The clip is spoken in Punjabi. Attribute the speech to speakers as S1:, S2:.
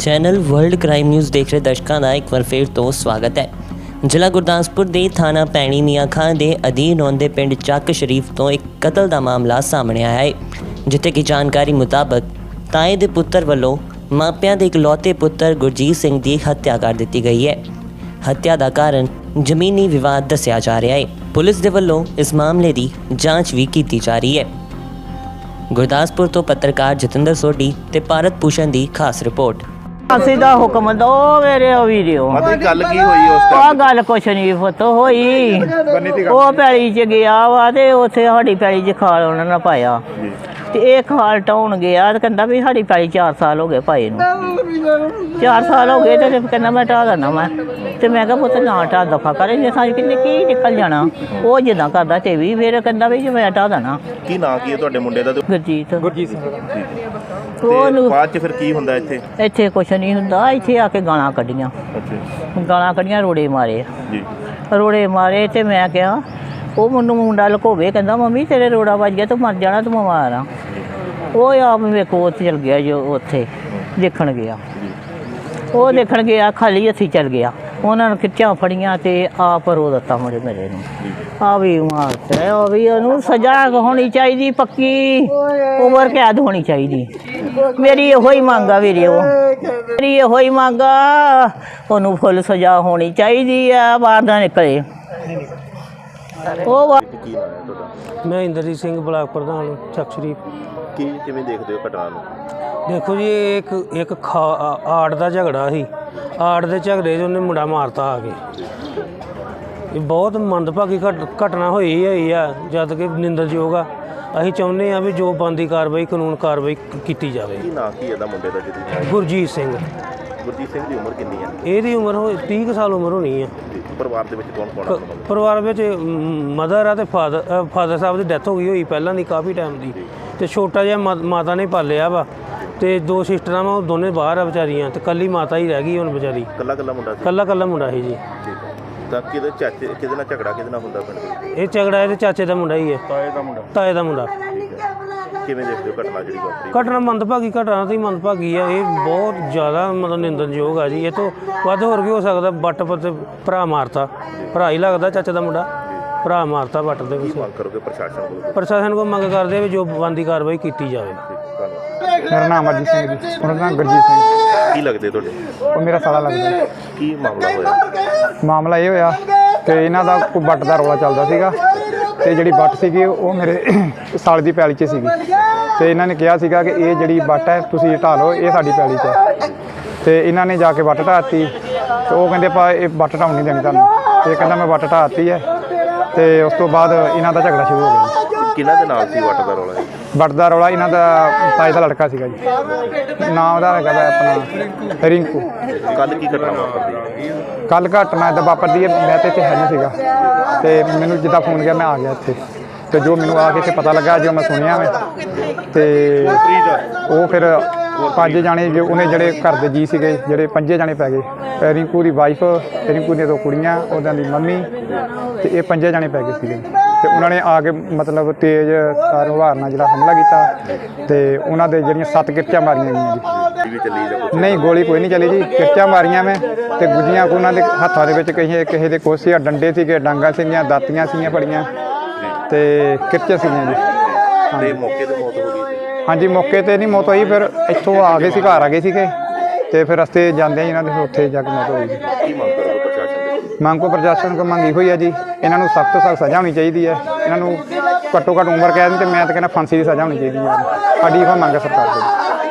S1: ਚੈਨਲ ਵਰਲਡ ਕ੍ਰਾਈਮ ਨਿਊਜ਼ ਦੇਖ ਰਹੇ ਦਰਸ਼ਕਾਂ ਦਾ ਇੱਕ ਵਾਰ ਫਿਰ ਤੋਂ ਸਵਾਗਤ ਹੈ। ਜ਼ਿਲ੍ਹਾ ਗੁਰਦਾਸਪੁਰ ਦੇ ਥਾਣਾ ਪੈਣੀ ਮੀਆਂ ਖਾਂ ਦੇ ਅਧੀਨ ਆਉਂਦੇ ਪਿੰਡ ਚੱਕ ਸ਼ਰੀਫ ਤੋਂ ਇੱਕ ਕਤਲ ਦਾ ਮਾਮਲਾ ਸਾਹਮਣੇ ਆਇਆ ਹੈ, ਜਿੱਥੇ ਕਿ ਜਾਣਕਾਰੀ ਮੁਤਾਬਕ ਤਾਏ ਦੇ ਪੁੱਤਰ ਵੱਲੋਂ ਮਾਪਿਆਂ ਦੇ ਇਕਲੌਤੇ ਪੁੱਤਰ ਗੁਰਜੀਤ ਸਿੰਘ ਦੀ ਹੱਤਿਆ ਕਰ ਦਿੱਤੀ ਗਈ ਹੈ। ਹੱਤਿਆ ਦਾ ਕਾਰਨ ਜ਼ਮੀਨੀ ਵਿਵਾਦ ਦੱਸਿਆ ਜਾ ਰਿਹਾ ਹੈ। ਪੁਲਿਸ ਦੇ ਵੱਲੋਂ ਇਸ ਮਾਮਲੇ ਦੀ ਜਾਂਚ ਵੀ ਕੀਤੀ ਜਾ ਰਹੀ ਹੈ। ਗੁਰਦਾਸਪੁਰ ਤੋਂ ਪੱਤਰਕਾਰ ਜਤਿੰਦਰ ਸੋਢੀ ਤੇ ਭਾਰਤ ਭੂਸ਼ਣ ਦੀ ਖਾਸ ਰਿਪੋਰਟ।
S2: ਅਸੀਂ ਦਾ ਹੁਕਮ ਦੋ ਮੇਰੇ ਵੀਡੀਓ
S3: ਮਤਲਬ ਗੱਲ ਕੀ ਹੋਈ ਉਸ
S2: ਆ ਗੱਲ ਕੁਛ ਨਹੀਂ ਪੁੱਤ ਹੋਈ। ਉਹ ਪੈਲੀ ਚ ਗਿਆ ਵਾ ਤੇ ਉੱਥੇ ਸਾਡੀ ਪੈਲੀ ਚ ਖਾਲ ਉਹਨਾਂ ਨੇ ਪਾਇਆ ਤੇ ਇਹ ਖਾਲ ਟਾਉਣ ਗਿਆ ਤੇ ਕਹਿੰਦਾ ਵੀ ਸਾਡੀ ਪੈਲੀ 4 ਸਾਲ ਹੋ ਗਏ ਪਾਏ ਨੂੰ। 4 ਸਾਲ ਹੋ ਗਏ ਤੇ ਕਹਿੰਦਾ ਮੈਂ ਢਾਹ ਦੇਣਾ ਮੈਂ ਤੇ ਮੈਂ ਕਿਹਾ ਪੁੱਤ ਨਾ ਢਾਹ ਦਫਾ ਕਰੇ ਜੇ ਸਾਜ ਕਿੰਨੇ ਕੀ ਨਿਕਲ ਜਾਣਾ। ਉਹ ਜਿੱਦਾਂ ਕਰਦਾ ਤੇ ਵੀ ਫਿਰ ਕਹਿੰਦਾ ਵੀ ਮੈਂ ਢਾਹ ਦੇਣਾ।
S3: ਕੀ ਨਾਂ ਕੀ ਹੈ ਤੁਹਾਡੇ ਮੁੰਡੇ ਦਾ?
S2: ਗੁਰਜੀਤ ਸਿੰਘ।
S3: ਤੇ ਬਾਅਦ ਚ ਫਿਰ ਕੀ ਹੁੰਦਾ ਇੱਥੇ?
S2: ਇੱਥੇ ਕੁਛ ਨਹੀਂ ਹੁੰਦਾ। ਇੱਥੇ ਆ ਕੇ ਗਾਲਾਂ ਕੱਢੀਆਂ, ਗਾਲਾਂ ਕੱਢੀਆਂ, ਰੋੜੇ ਮਾਰੇ
S3: ਜੀ,
S2: ਰੋੜੇ ਮਾਰੇ ਤੇ ਮੈਂ ਕਿਹਾ ਉਹ ਮੈਨੂੰ ਮੁੰਡਾ ਲੁਕੋਵੇ, ਕਹਿੰਦਾ ਮੰਮੀ ਤੇਰੇ ਰੋੜਾ ਵੱਜ ਗਿਆ ਤੂੰ ਮਰ ਜਾਣਾ, ਤੂੰ ਬਿਮਾਰ ਆ। ਉਹ ਆਪ ਵੇਖੋ ਉੱਥੇ ਚਲ ਗਿਆ ਜੋ ਉੱਥੇ ਦੇਖਣ ਗਿਆ। ਉਹ ਦੇਖਣ ਗਿਆ ਖਾਲੀ ਹੱਥੀਂ ਚੱਲ ਗਿਆ। ਉਹਨਾਂ ਨੇ ਖਿੱਚਾਂ ਫੜੀਆਂ ਤੇ ਆਪ ਰੋ ਦਿੱਤਾ ਮੁੰਡੇ ਮੇਰੇ ਨੂੰ। ਆ ਵੀ ਮਾਰਤੇ ਉਹ ਵੀ ਉਹਨੂੰ ਸਜ਼ਾ ਹੋਣੀ ਚਾਹੀਦੀ, ਪੱਕੀ ਉਮਰ ਕੈਦ ਹੋਣੀ ਚਾਹੀਦੀ। ਮੇਰੀ ਇਹੋ ਹੀ ਮੰਗ ਆ ਵੀਰੇ, ਉਹ ਮੇਰੀ ਇਹੋ ਹੀ ਮੰਗ ਆ, ਉਹਨੂੰ ਫੁੱਲ ਸਜ਼ਾ ਹੋਣੀ ਚਾਹੀਦੀ ਆ, ਬਾਹਰ ਦਾ ਨਿਕਲੇ। ਉਹ
S3: ਕੀ ਨਾਂ ਹੈ ਤੁਹਾਡਾ?
S4: ਮੈਂ ਇੰਦਰਜੀਤ ਸਿੰਘ ਬਲਾਕ ਪ੍ਰਧਾਨ ਚੱਕ ਸ਼ਰੀਫ।
S3: ਕੀ ਕਿਵੇਂ ਦੇਖਦੇ ਹੋ ਘਟਨਾ ਨੂੰ?
S4: ਦੇਖੋ ਜੀ ਇਹ ਇੱਕ ਆੜ ਦਾ ਝਗੜਾ ਸੀ। ਆੜ ਦੇ ਝਗੜੇ 'ਚ ਉਹਨੇ ਮੁੰਡਾ ਮਾਰਤਾ ਆ ਕੇ। ਇਹ ਬਹੁਤ ਮੰਦਭਾਗੀ ਘਟਨਾ ਹੋਈ ਆ, ਜਦ ਕਿ ਨਿੰਦਣਯੋਗ ਆ। ਅਸੀਂ ਚਾਹੁੰਦੇ ਆ ਵੀ ਜੋ ਬਣਦੀ ਕਾਰਵਾਈ ਕਾਨੂੰਨ ਕਾਰਵਾਈ ਕੀਤੀ ਜਾਵੇ।
S3: ਕੀ ਨਾਂ ਕੀ ਇਹਦਾ ਮੁੰਡੇ ਦਾ? ਜਿਹਦੀ
S4: ਗੁਰਜੀਤ ਸਿੰਘ।
S3: ਗੁਰਜੀਤ ਸਿੰਘ ਦੀ ਉਮਰ ਕਿੰਨੀ ਹੈ?
S4: ਇਹਦੀ ਉਮਰ 30 ਸਾਲ ਉਮਰ ਹੋਣੀ ਆ।
S3: ਪਰਿਵਾਰ ਦੇ ਵਿੱਚ ਕੌਣ ਕੌਣ ਹੈ?
S4: ਪਰਿਵਾਰ ਵਿੱਚ ਮਦਰ ਆ ਤੇ ਫਾਦਰ ਸਾਹਿਬ ਦੀ ਡੈਥ ਹੋ ਗਈ ਹੋਈ ਪਹਿਲਾਂ ਦੀ, ਕਾਫੀ ਟਾਈਮ ਦੀ। ਤੇ ਛੋਟਾ ਜਿਹਾ ਮਾਤਾ ਨੇ ਪਾਲਿਆ ਵਾ ਤੇ 2 ਸਿਸਟਰਾਂ ਵਾ, ਉਹ ਦੋਨੇ ਬਾਹਰ ਆ ਵਿਚਾਰੀਆਂ ਤੇ ਕੱਲੀ ਮਾਤਾ ਹੀ ਰਹਿ ਗਈ ਹੁਣ ਵਿਚਾਰੀ।
S3: ਕੱਲਾ ਮੁੰਡਾ ਸੀ? ਕੱਲਾ
S4: ਮੁੰਡਾ ਸੀ ਜੀ।
S3: ਠੀਕ ਹੈ। ਤਾਂ ਕਿਹਦੇ ਚਾਚੇ ਕਿਹਦੇ ਨਾਲ ਝਗੜਾ ਕਿਹਦੇ ਨਾਲ ਹੁੰਦਾ ਪਿੰਡ ਦੇ?
S4: ਇਹ ਝਗੜਾ ਇਹਦੇ ਚਾਚੇ ਦਾ ਮੁੰਡਾ ਹੀ ਹੈ। ਤਾਏ ਦਾ ਮੁੰਡਾ।
S3: ਕਿਵੇਂ ਦੇਖਦੇ ਹੋ ਘਟਨਾ ਜਿਹੜੀ ਵਾਪਰੀ?
S4: ਘਟਨਾ ਮੰਦਭਾਗੀ, ਘਟਨਾ ਤੇ ਮੰਦਭਾਗੀ ਆ। ਇਹ ਬਹੁਤ ਜ਼ਿਆਦਾ ਮਤਲਬ ਨਿੰਦਣਯੋਗ ਆ ਜੀ। ਇਹ ਤੋਂ ਵੱਧ ਹੋਰ ਕੀ ਹੋ ਸਕਦਾ? ਵੱਟ ਤੇ ਭਰਾ ਮਾਰਤਾ, ਭਰਾ ਹੀ ਲੱਗਦਾ ਚਾਚੇ ਦਾ ਮੁੰਡਾ, ਭਰਾ ਮਾਰਤਾ ਵੱਟ ਦੇ ਵਿੱਚ।
S3: ਮੰਗ ਕਰੋਗੇ
S4: ਪ੍ਰਸ਼ਾਸਨ ਕੋਲ ਮੰਗ ਕਰਦੇ ਵੀ ਜੋ ਬਣਦੀ ਕਾਰਵਾਈ ਕੀਤੀ ਜਾਵੇ।
S5: ਮੇਰਾ ਨਾਮ ਅਰਜੀਤ ਸਿੰਘ ਜੀ, ਉਹਨਾਂ ਦਾ ਨਾਮ ਗੁਰਜੀਤ ਸਿੰਘ।
S3: ਕੀ ਲੱਗਦੇ ਤੁਹਾਡੇ?
S5: ਉਹ ਮੇਰਾ ਸਾਲਾ ਲੱਗਦਾ।
S3: ਕੀ ਮਾਮਲਾ ਹੋਇਆ?
S5: ਮਾਮਲਾ ਇਹ ਹੋਇਆ ਕਿ ਇਹਨਾਂ ਦਾ ਕੋਈ ਵੱਟ ਦਾ ਰੌਲਾ ਚੱਲਦਾ ਸੀਗਾ ਤੇ ਜਿਹੜੀ ਵੱਟ ਸੀਗੀ ਉਹ ਮੇਰੇ ਸਾਲੇ ਦੀ ਪੈਲੀ 'ਚ ਸੀਗੀ ਤੇ ਇਹਨਾਂ ਨੇ ਕਿਹਾ ਸੀਗਾ ਕਿ ਇਹ ਜਿਹੜੀ ਵੱਟ ਹੈ ਤੁਸੀਂ ਢਾਹ ਲਓ, ਇਹ ਸਾਡੀ ਪੈਲੀ 'ਚ ਹੈ। ਤੇ ਇਹਨਾਂ ਨੇ ਜਾ ਕੇ ਵੱਟ ਢਾਹਤੀ ਤੇ ਉਹ ਕਹਿੰਦੇ ਆਪਾਂ ਇਹ ਵੱਟ ਢਾਉਣ ਨਹੀਂ ਦੇਣੀ ਤੁਹਾਨੂੰ। ਇਹ ਕਹਿੰਦਾ ਮੈਂ ਵੱਟ ਢਾਹਤੀ ਹੈ ਤੇ ਉਸ ਤੋਂ ਬਾਅਦ ਇਹਨਾਂ ਦਾ ਝਗੜਾ ਸ਼ੁਰੂ ਹੋ ਗਿਆ।
S3: ਕਿਹਨਾਂ ਦੇ ਨਾਲ ਸੀ ਵੱਟ ਦਾ ਰੌਲਾ?
S5: ਵੱਟ ਦਾ ਰੌਲਾ ਇਹਨਾਂ ਦਾ ਤਾਏ ਦਾ ਲੜਕਾ ਸੀਗਾ ਜੀ, ਨਾਮ ਉਹਦਾ ਹੈਗਾ ਆਪਣਾ ਰਿੰਕੂ।
S3: ਕੱਲ ਕੀ ਘਟਨਾ ਵਾਪਰਦੀ?
S5: ਕੱਲ ਘਟਨਾ ਇੱਦਾਂ ਵਾਪਰਦੀ ਹੈ, ਮੈਂ ਤਾਂ ਇੱਥੇ ਹੈ ਨਹੀਂ ਸੀਗਾ ਤੇ ਮੈਨੂੰ ਜਿੱਦਾਂ ਫੋਨ ਗਿਆ ਮੈਂ ਆ ਗਿਆ ਇੱਥੇ ਤੇ ਜੋ ਮੈਨੂੰ ਆ ਕੇ ਇੱਥੇ ਪਤਾ ਲੱਗਾ, ਜੋ ਮੈਂ ਸੁਣਿਆ ਮੈਂ ਤੇ ਉਹ ਫਿਰ 5 ਜਾਣੇ ਜੋ ਉਹਨੇ ਜਿਹੜੇ ਘਰ ਦੇ ਜੀ ਸੀਗੇ, ਜਿਹੜੇ 5 ਜਾਣੇ ਪੈ ਗਏ। ਰਿੰਕੂ ਦੀ ਵਾਈਫ, ਰਿੰਕੂ ਦੀਆਂ 2 ਕੁੜੀਆਂ, ਉਹਨਾਂ ਦੀ ਮੰਮੀ ਤੇ ਇਹ 5 ਜਾਣੇ ਪੈ ਗਏ ਸੀਗੇ ਤੇ ਉਹਨਾਂ ਨੇ ਆ ਕੇ ਮਤਲਬ ਤੇਜ਼ ਤਾਰ ਹਵਾਰ ਨਾਲ ਜਿਹੜਾ ਹਮਲਾ ਕੀਤਾ ਤੇ ਉਹਨਾਂ ਦੇ ਜਿਹੜੀਆਂ 7 ਕਿਰਚਾਂ ਮਾਰੀਆਂ ਗਈਆਂ ਜੀ। ਨਹੀਂ, ਗੋਲੀ ਕੋਈ ਨਹੀਂ ਚੱਲੀ ਜੀ, ਕਿਰਚਾਂ ਮਾਰੀਆਂ ਮੈਂ ਤੇ ਗੁੱਜੀਆਂ ਉਹਨਾਂ ਦੇ ਹੱਥਾਂ ਦੇ ਵਿੱਚ ਕਿਸੇ ਦੇ ਕੋਸੇ ਡੰਡੇ ਸੀਗੇ, ਡਾਂਗਾਂ ਸੀਗੀਆਂ, ਦਾਤੀਆਂ ਸੀਗੀਆਂ ਫੜੀਆਂ ਤੇ ਕਿਰਚਾਂ ਸੀਗੀਆਂ ਜੀ।
S3: ਤੇ ਮੌਕੇ ਤੇ ਮੌਤ ਹੋ ਗਈ?
S5: ਹਾਂਜੀ, ਮੌਕੇ ਤੇ ਨਹੀਂ ਮੌਤ ਹੋਈ, ਫਿਰ ਇੱਥੋਂ ਆ ਗਏ ਸੀ, ਘਰ ਆ ਗਏ ਸੀਗੇ ਤੇ ਫਿਰ ਰਸਤੇ ਜਾਂਦੇ ਇਹਨਾਂ ਦੇ ਉੱਥੇ ਜਾ ਕੇ ਮੌਤ ਹੋਈ ਜੀ।
S3: ਕੀ ਮੰਗ ਕਰੋਗੇ ਪ੍ਰਸ਼ਾਸਨ ਦੇ?
S5: ਮੰਗ ਕੋ ਪ੍ਰਸ਼ਾਸਨ ਕੋ ਮੰਗੀ ਹੋਈ ਹੈ ਜੀ, ਇਹਨਾਂ ਨੂੰ ਸਖਤ ਤੋਂ ਸਖਤ ਸਜ਼ਾ ਹੋਣੀ ਚਾਹੀਦੀ ਹੈ। ਇਹਨਾਂ ਨੂੰ ਘੱਟੋ ਘੱਟ ਉਮਰ ਕੈਦ ਤੇ ਮੈਂ ਤਾਂ ਕਹਿੰਦਾ ਫਾਂਸੀ ਦੀ ਸਜ਼ਾ ਹੋਣੀ ਚਾਹੀਦੀ ਹੈ। ਸਾਡੀ ਇਹੋ ਮੰਗ ਹੈ ਸਰਕਾਰ ਕੋਲ।